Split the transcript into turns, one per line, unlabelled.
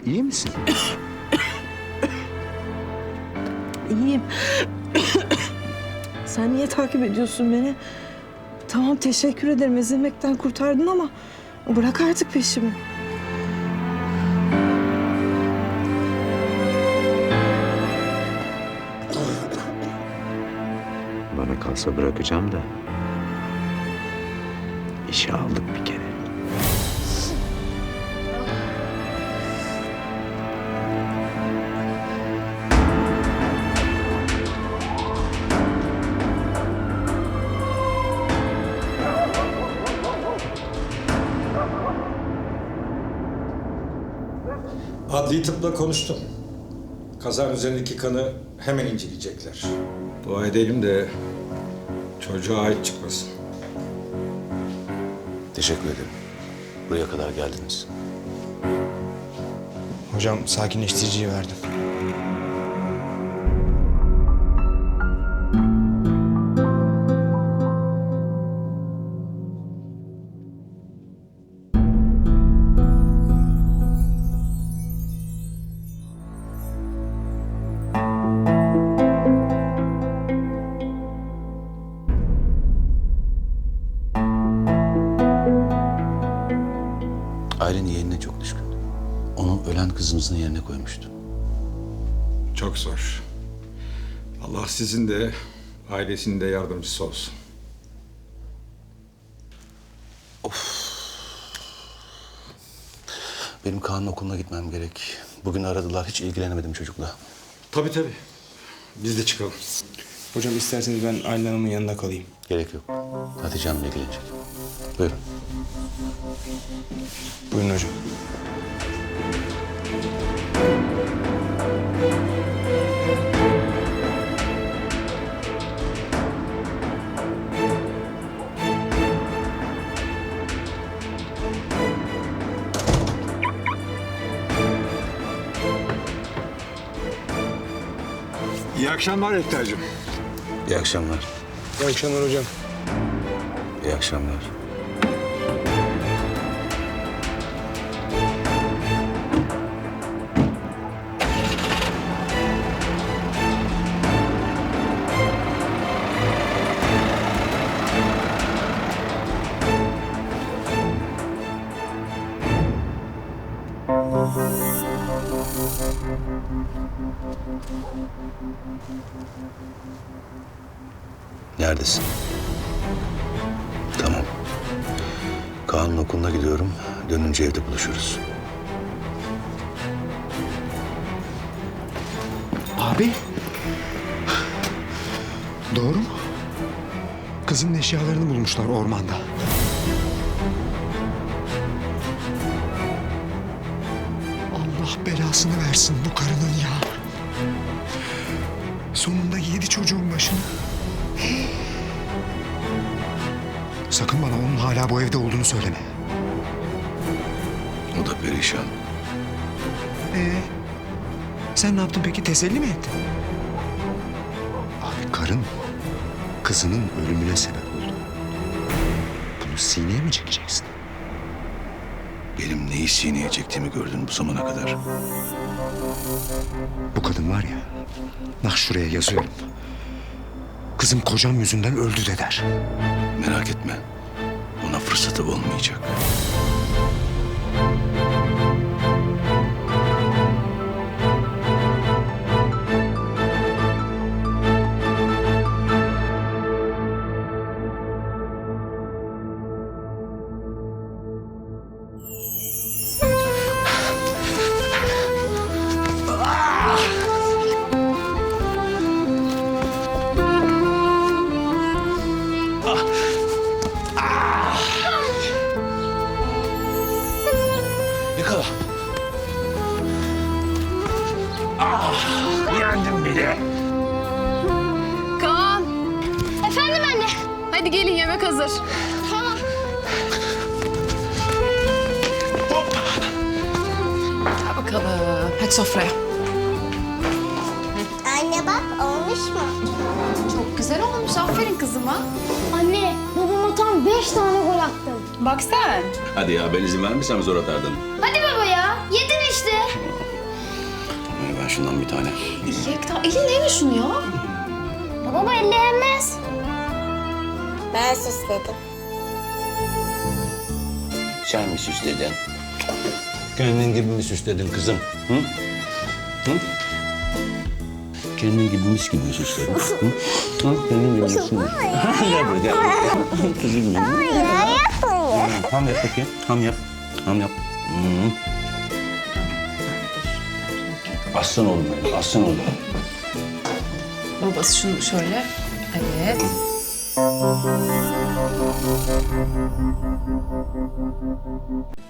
İyi misin?
İyiyim. Sen niye takip ediyorsun beni? Tamam, teşekkür ederim. Ezilmekten kurtardın ama bırak artık peşimi.
Bana kalsa bırakacağım da. İşe aldık bir kere.
Adli tıpla konuştum. Kazanın üzerindeki kanı hemen inceleyecekler. Dua edelim de çocuğa ait çıkmasın.
Teşekkür ederim. Buraya kadar geldiniz.
Hocam sakinleştiriciyi verdim.
Ailen yeğenine çok düşkün. Onu ölen kızınızın yerine koymuştu.
Çok zor. Allah sizin de ailesinin de yardımcısı olsun.
Benim Kaan'ın okuluna gitmem gerek. Bugün aradılar. Hiç ilgilenemedim çocukla.
Tabii tabii. Biz de çıkalım.
Hocam isterseniz ben Aylin Hanım'ın yanında kalayım.
Gerek yok. Hatice Hanım ilgilenecek. Buyurun.
Buyurun hocam.
İyi akşamlar Ekter'cim.
İyi akşamlar.
İyi akşamlar hocam.
İyi akşamlar. Neredesin? Tamam. Kaan'ın okuluna gidiyorum. Dönünce evde buluşuruz.
Abi. Doğru mu? Kızın eşyalarını bulmuşlar ormanda. Allah belasını versin bu karının ya. Sonunda yedi çocuğun başını. Sakın bana onun hala bu evde olduğunu söyleme.
O da perişan.
Sen ne yaptın peki? Teselli mi ettin? Abi karın kızının ölümüne sebep oldu. Bunu sineye mi çekeceksin?
Benim neyi sineye çektiğimi gördün bu zamana kadar.
Bu kadın var ya, bak şuraya yazıyorum. Kızım kocam yüzünden öldü de der.
Merak etme. Ona fırsatı olmayacak. Yakala.
Kaan. Efendim anne. Hadi gelin yemek hazır. Tamam. Hadi bakalım. Hadi sofraya.
Anne bak olmuş mu?
Çok güzel olmuş. Aferin kızıma.
Anne babama tam 5 tane gol attım.
Bak sen.
Hadi ya ben izin vermesem zor atardın.
Hadi baba ya yedin işte.
Ben şundan bir tane.
Yekta elin neymiş şunu ya?
Ya baba elleyemez. Ben süsledim.
Sen mi süsledin? Kendin gibi mi süsledin kızım? Hı? Hı? Kendin gibi mis gibi mi süsledin? Hı? Hı? Kendin gibi mi süsledin? Gel buraya, gel buraya. Kızım benim. Ham yap bakayım. Ham yap. Ham yap. Hı. Aslan oğlum benim, aslan oğlum.
Babası şunu şöyle. Evet.